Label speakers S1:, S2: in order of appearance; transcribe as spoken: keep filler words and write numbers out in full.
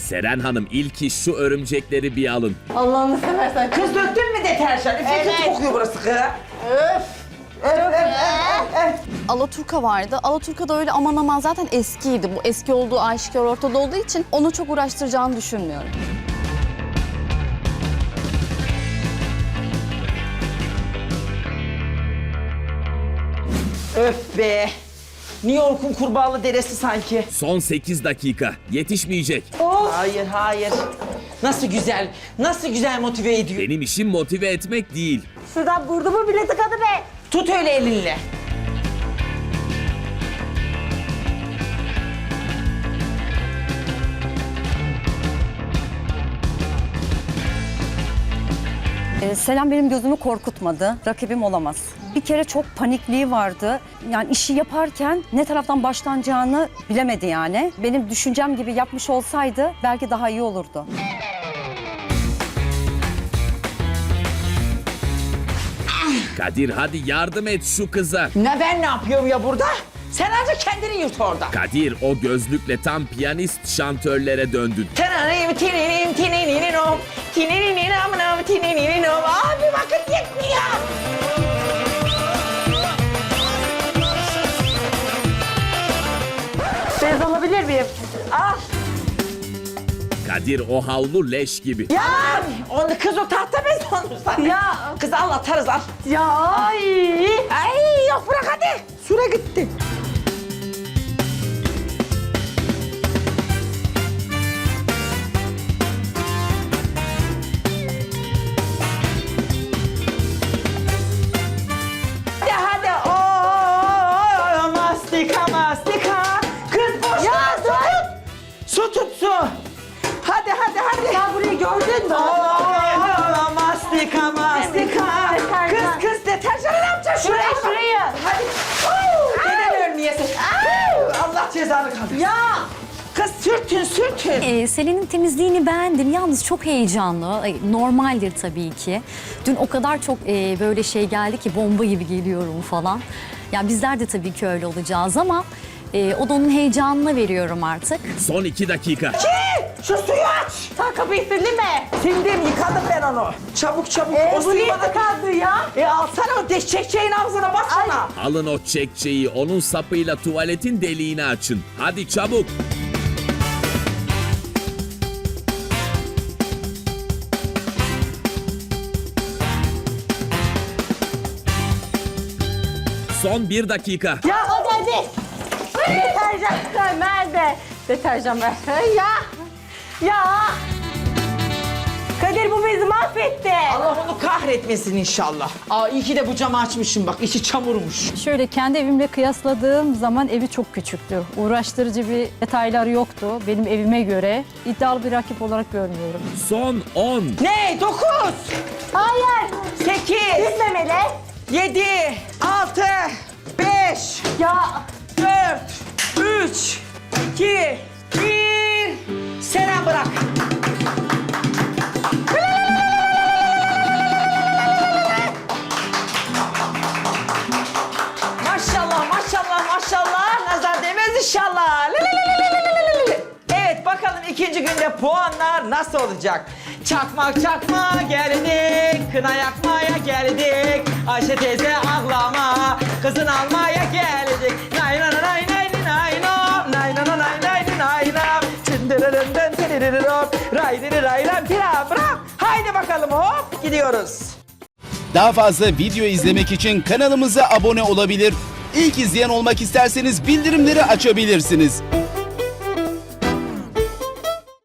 S1: Seren Hanım ilk iş şu örümcekleri bir alın.
S2: Allah'ını seversen.
S3: Kız döktün mü deterjan? Üf,
S2: Evet.
S3: kötü kokuyor burası kız.
S2: Öf. Öf, öf, öf, öf.
S4: Alaturka vardı. Alaturka da öyle aman aman zaten eskiydi. Bu eski olduğu aşikar ortada olduğu için onu çok uğraştıracağını düşünmüyorum.
S3: Öf be. New York'un kurbağalı deresi sanki.
S1: Son sekiz dakika. Yetişmeyecek.
S3: Hayır hayır. Nasıl güzel, nasıl güzel motive ediyor.
S1: Benim işim motive etmek değil.
S2: Şuradan burnumu bile tıkadı be.
S3: Tut öyle elinle.
S5: Ee, Selam benim gözümü korkutmadı. Rakibim olamaz. Bir kere çok panikliği vardı. Yani işi yaparken ne taraftan başlanacağını bilemedi yani. Benim düşüncem gibi yapmış olsaydı belki daha iyi olurdu.
S1: Kadir hadi yardım et şu kıza.
S3: Ne ben ne yapıyorum ya burada? Sen ancak kendini yut orada.
S1: Kadir o gözlükle tam piyanist şantörlere döndün.
S3: Tananim tininim tinininom. Tinininom tinininom. Abi vakit yetmiyor.
S2: Bez alabilir miyim?
S3: Al.
S1: Kadir o havlu leş gibi.
S3: Ya onu kız o tahta bez onu sana.
S2: Ya.
S3: Kız al atarız al.
S2: Ya ay.
S3: Ay yok bırak hadi. Süre gitti. Hadi hadi. Oo, mastika mastika. Kız boş
S2: Ya,
S3: ver, su tut. Su tut su. Hadi hadi hadi.
S2: Ya burayı gördün mü?
S3: Oo, mastika mastika.
S2: Deterjan.
S3: Kız kız deterjanı ne yapacaksın?
S2: Şurayı,
S3: bak.
S2: şurayı.
S3: Hadi. Oo, neden ölmeyesin? Oo, Allah cezanı kaldırsın.
S2: Ya.
S3: Kız sürtün sürtün.
S6: Ee, Selin'in temizliğini beğendim. Yalnız çok heyecanlı. Ay, normaldir tabii ki. Dün o kadar çok e, böyle şey geldi ki bomba gibi geliyorum falan. Ya bizler de tabii ki öyle olacağız ama e, o da onun heyecanına veriyorum artık.
S1: Son iki dakika.
S3: Ki, şu suyu aç.
S2: Sen kapıyı sildin mi?
S3: Sildim yıkadım ben onu. Çabuk çabuk.
S2: Ee,
S3: o
S2: bu
S3: suyu
S2: niye
S3: bana...
S2: tıkandı ya?
S3: E alsana o deşçekçeğin ağzına baksana.
S1: Alın o çekçeyi onun sapıyla tuvaletin deliğini açın. Hadi çabuk. Son bir dakika.
S2: Ya hadi hadi. Deterjan nerede? Deterjan ver. Ya. Ya. Kadir bu bezi mahvetti.
S3: Allah onu kahretmesin inşallah. Aa iyi ki de bu camı açmışım bak içi çamurmuş.
S7: Şöyle kendi evimle kıyasladığım zaman evi çok küçüktü. Uğraştırıcı bir detaylar yoktu benim evime göre. İddialı bir rakip olarak görmüyorum.
S1: Son on.
S3: Ne? Dokuz,
S2: Hayır.
S3: sekiz,
S2: Bitmemeli.
S3: yedi, altı, beş,
S2: Ya.
S3: dört, üç, iki, bir. Selam bırak. Maşallah maşallah maşallah nazar değmez inşallah. Evet bakalım ikinci günde puanlar nasıl olacak? Çakmak çakma geldik, kına yakmaya geldik. Ayşe teyze ağlama, kızın almaya geldik. Nay nay nay nay nay no, nay nay nay nay nay nay. Çındırırın tırırırım, ray diri ray ram tira bırak. Haydi bakalım hop gidiyoruz.
S8: Daha fazla video izlemek için kanalımıza abone olabilir. İlk izleyen olmak isterseniz bildirimleri açabilirsiniz.